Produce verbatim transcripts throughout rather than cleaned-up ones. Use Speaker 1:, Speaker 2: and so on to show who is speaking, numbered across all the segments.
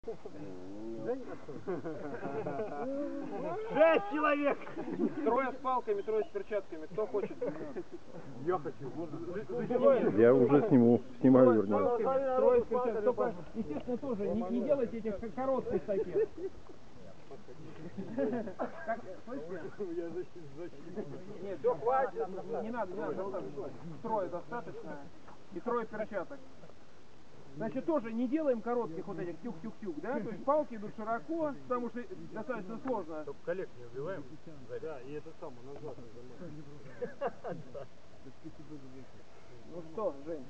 Speaker 1: Шесть человек! Трое с палками, трое с перчатками. Кто хочет?
Speaker 2: Я хочу.
Speaker 3: Я уже сниму. Снимаю, вернее.
Speaker 1: Трое с перчатками. Только, естественно, тоже не, не делайте этих коротких таких. Как, слышите? Нет, все, хватит. Не надо, не надо. Трое достаточно. И трое перчаток. Значит, тоже не делаем коротких вот этих тюк-тюк-тюк, да? То есть палки идут широко, потому что достаточно сложно.
Speaker 2: Только коллег не убиваем. Да, и это самое назад нажимаем.
Speaker 1: Ну что, Жень?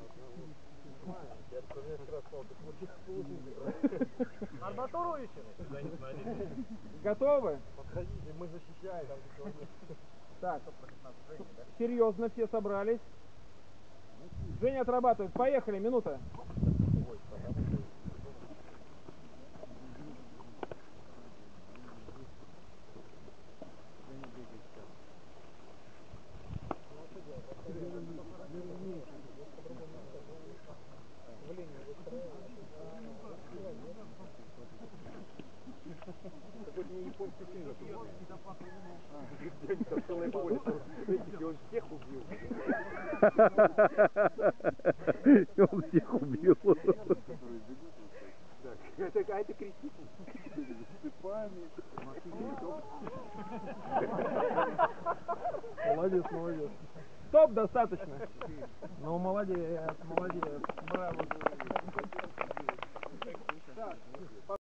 Speaker 2: Арматуру ищем?
Speaker 1: Готовы?
Speaker 2: Подходите, мы защищаем.
Speaker 1: Так, серьезно все собрались. Женя отрабатывает. Поехали, минута.
Speaker 2: Он всех убил.
Speaker 3: Он всех убил.
Speaker 2: Это, а это крестик.
Speaker 1: Молодец, молодец. Стоп, достаточно. Ну, молодец, молодец. Браво.